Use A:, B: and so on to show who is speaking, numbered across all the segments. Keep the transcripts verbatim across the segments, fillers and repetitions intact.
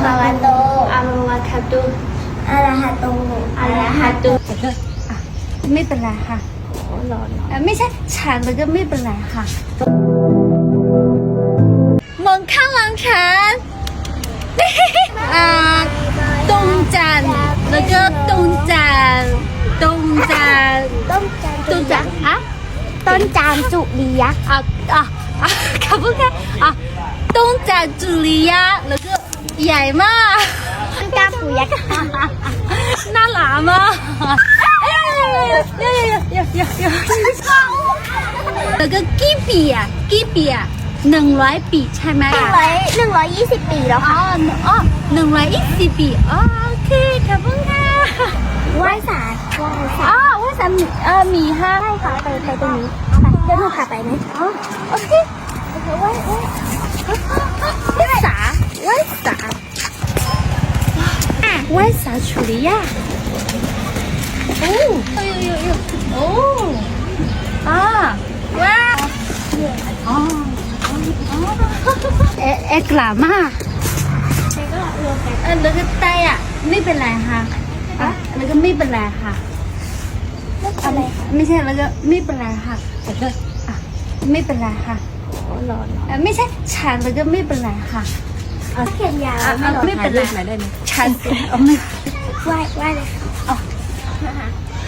A: ฮาวะโต
B: อะมาวะคาตุ
A: อะระหะโต
B: อะระหะตุ
C: ไม่เป็นไรค่ะ
B: หลอน
C: เอ่อไม่ใช่ฉันแล้วก็ไม่เป็นไรค่ะมองข้างหลังฉันอ่าตรงจันทร์แล้วก็ตรงจันทร์ตรงจันทร์
A: ต้นจาน
C: ตรงจันทร์อะ
A: ต้นจานจุลียักษ์
C: อ่ะอ่ะอ่ะขอบคุณค่ะอ่ะตรงจันทร์จุลียะแล้วก็ใหญ่มาก
A: ต้นจานปูยักษ์
C: น่ารักมากเอ้ยเอ้ยเอ้ยเอ้ยเอ้ยเอ้ยเอ้ยแล้วก็กี่ปีอ่ะกี่ปีอ่ะหนึ่งร้อยปีใช่ไหม
A: หนึ่ง
C: อ่ะ
A: ร้อยหนึ่งร้อยยี่สิบปีแล้ว
C: อ๋
A: ค่ะ
C: ออ๋อหนึ่งร้อยยี่สิบปีอ๋อโอเคขอบคุณค่ะ
A: ไหว้ศาลไหว้ศา
C: อ๋
A: ล
C: อว่าสามีเออมีห้า
A: ใช่ค่ะไปไปตรงนี้ไปเดี๋ยวหนูพาไปไหมอ๋อโอเคโอเคไหว้ไหว้
C: ว่าสาว่าสาว่าสา处理呀โอ้哎呦呦呦โอ้อ่าว้าอ๋อเอ๊ะเอ๊ะกล้ามาก
A: แล้วก็รวมกัน
C: เออแล้วก็ไตอ่ะไม่เป็นไรค่ะอ่ะแล้วก็ไม่เป็นไรค่ะ
A: อะไร
C: ไม่ใช่แล้วก็ไม่เป็นไรค่ะแล้วก็อ่ะไม่เป็นไรค่ะ
B: หลอน
C: เออไม่ใช่ฉันแล้วก็ไม่เป็นไรค่ะ
A: เขียนยาว
C: อ่ะ
A: ไม่
C: อ่ะ
A: หรอก
C: ไม่เป็นไรฉันเอาไม่
A: ไหว้ไหว้เลยค่ะ
C: เอา
A: นะคะ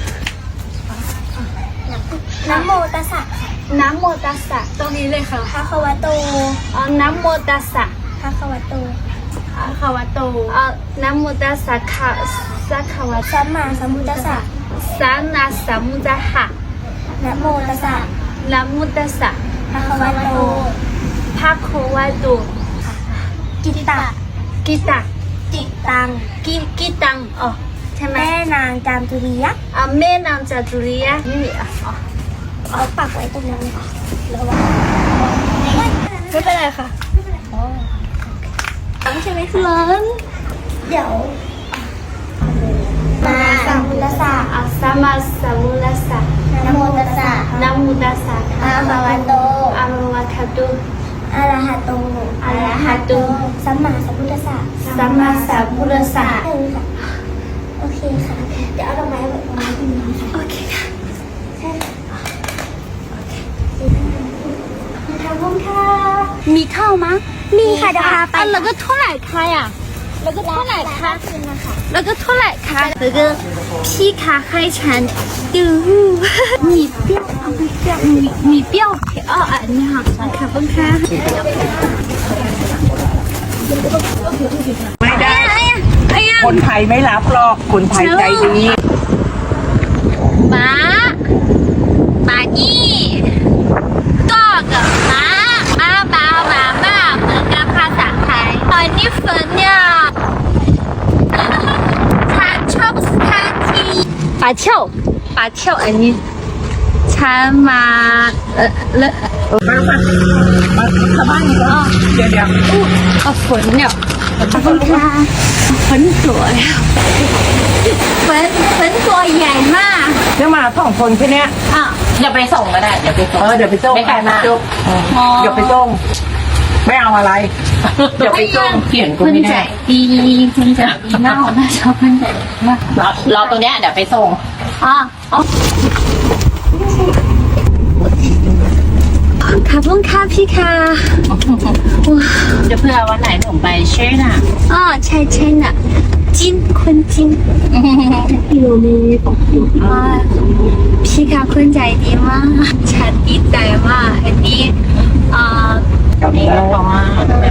A: นะโมตัสสะค่ะ
C: น้ำโมตัสสะตรงนี้เลยค่ะ
A: ภะคะวะโต
C: เอาน้ำโมตัสสะ
A: ภะคะวะโต
C: อะคาวะโตเอาน้ำโมตัสสะค่ะสักขาวะ
A: สัมมาสัมพุทธัสสะ
C: สานาสัมมุตหะ
A: นะโมตัสสะ
C: น้ำโมตัสสะ
A: ภะคะวะโต
C: ภาโควะโต
A: กิตตะ
C: กิตะ
A: จิตัง
C: กิกิตังอ๋อใช่ไหม
A: แม่นางจามจุรียักษ์
C: อ่ะแม่นางจาตุรียะนี่อ่ะอ๋อ
A: เอาปักไว้ตรงนั้นเลยค่ะแล้วว่าไม่เป็นไรค่ะต้องใช่ไหมคะ
C: ร้อน
A: เดี๋ยวมาสัมพุทธัสสะ
C: อ่ะสัมมาสัมพุทธัสสะ
A: นะโมตัสสะ
C: นะโมตัสสะ
A: อะระหะโต
C: อะมาวะคาตุ
A: อะระหะโต
C: อะระหะโต
A: สัมมาสัมพุทธัสสะ
C: สัมมาสัมพุทธัสสะ
A: เออค่ะโอเคค่ะ เดี๋ยวเอาดอกไม้ไว้ตรงนี้ตรงนี้ค่ะ
C: โอเคค่ะ
A: ใช่ค่ะ
C: ขอบคุณค่ะมีข้าวมั้ย
A: มีค่ะเดี๋ยวพาไป
C: อ่ะแล้วก็เท่าไหร่คะอ่ะแล้วก็เท่าไหร่คะ
A: คืนนะคะ
C: แล้วก็เท่าไหร่คะแล้วก็พี่คะให้ฉันดูมีเปรี้ยวเอาไม่เปรี้ยวมีมีเปรี้ยวเผ็ดอ๋ออันนี้ค่ะขอบคุณค่ะ
D: ไม่ได้
C: ไอ้ยังไอ้ยัง
D: คนไทยไม่รับหรอก คนไทยใจดี
C: ม้าม้านี่ก็กับม้าม้าเบาม้าบ้าเหมือนกับภาษาไทยตอนนี้ฝนเนี่ยฉันชอบสถานที่ป่าเที่ยวป่าเที่ยวอันนี้ฉันมาเออเลอะ
D: ไปไปมาชาวบ้านอีกแล้วเดี๋ยวเดี๋ยว
C: เอาฝนเนี่ยขอบคุณค่ะฝนสวยฝนฝนตัวใหญ่มาก
D: เดี๋ยวมาสองคนแค่เนี้ย
C: อ่ะ
E: เดี๋ยวไปส่งก็ได้ เดี๋ยวไปส่ง
D: เออเดี๋ยวไปส่ง
E: ไม่ไกลมาก
D: จุ๊บเดี๋ยวไปส่งไม่เอาอะไร เดี๋ยวไปส่ง
E: เขียนกู
C: คุณ
E: ไม่
C: ใจ
E: ได้
C: ดีคุณใจดีมากน่าชอบคุณใจดีมาก
E: รอรอตรงเนี้ยเดี๋ยวไปส่ง
C: อ่ะอ๋อขอบคุณค่ะพี่ค่ะว้า
E: จะเพื่อวันไหนหนูไปเช่น่ะ
C: อ๋อใช่ใช่น่ะจินคุณจินอยู่ในอ่าพี่ค่ะคุณใจดีมากฉันดีใจมากอันนี้อ่า
E: นี่ก็เพราะว่าแบบ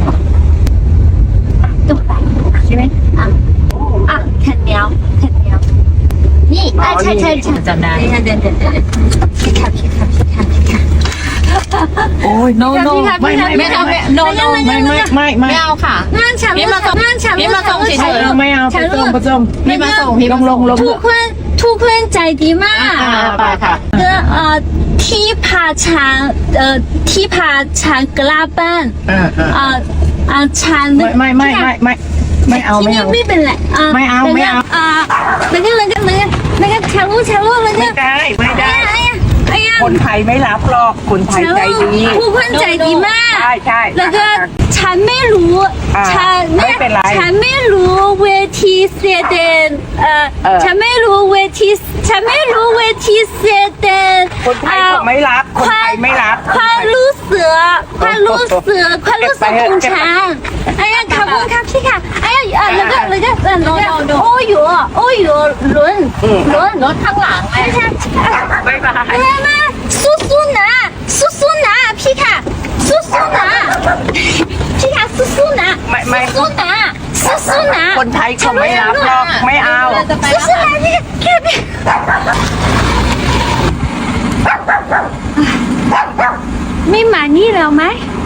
C: ตุ๊กตาใช่ไหมอ่ะอ่ะแผ่นเดียวแผ่นเดียวนี่อ่ะใช่ใช่ใช่
E: จำได้
C: เดี๋ยวเดี๋ยวเดี๋ยวพี่ค่ะพี่ค่ะพี่ค่ะพี่ค่ะ
D: โอ้ย no no
C: พี่ค่ะ
D: ไม่
C: พี่ค่ะ
D: ไม่
E: ไม่
D: ไม่
E: เอาไม่ no no
D: ไม่ไม่ไม่ไม่
E: ไม่เอาค่ะ
C: งานฉัน
E: พี่มาส่ง
C: งานฉัน
E: พี่มาส่งเฉย
D: เออไม่เอาไปส่งไปส่ง
E: พี่มาส่งพี่
D: ล
E: มาง
D: ล
E: ส่ง
D: งลง
C: ทุกคนทุกคนใจดีมาก
E: อ่าไปค่ะ
C: ก็เอ่อที่พาฉันเอ่อที่พาฉันกลับบ้าน
D: เออเออ
C: เอ่อเอ่อฉัน
D: ไม่ไม่ไม่ไม่ไม่ไม่เอา
C: ที่
D: ไม่
C: นี่
D: เอา
C: ไม่เป็นไรอ่ะ
D: ไม่เอาไม่เอา
C: อ่าแล้วก็แล้วก็แล้วก็แล้วก็แชร์ลูกแชร์ลูกแล้วก็
D: ไม่ได้ไม่ได้
C: 哎呀哎呀哎呀
D: คนไทยไม่รับหรอกคนไทยใจดี
C: ผู้คนใจดีมาก
D: ใช่ใช่
C: แล้วก็ฉันไม่รู้
D: อ่า
C: ฉัน
D: ไม่เป็นไร
C: ฉันไม่รู้เวทีเสดนเอ่อ
D: เออ
C: ฉันไม่รู้เวทีฉันไม่รู้เวทีเสดน
D: คนไทยเขาไม่รับคนไทยไม่รับ
C: ความรู้สึกความรู้สึกความรู้สึกของฉัน哎呀ขอบคุณครับพี่ค่ะ哎呀เอ่อแล้วก็แล้วก็แล้วก็โอ้ยโอ้ยลุ้นลุ้น
E: รถข้างหลังไง
C: ไม่ใช่
D: บ๊ายบาย
C: มามาสู้สู้ๆนะสู้สู้ๆนะพี่ค่ะสู้สู้ๆนะพี่ค่ะสู้สู้ๆนะ
D: ไม่ไม่
C: สู้ๆนะสู้สู้ๆนะ
D: คนไทยเขาไม่รับหรอกไม่เอา
E: จะไป
C: สู้สู้ๆนะพี่แค่พี่ไม่มานี่แล้วไหม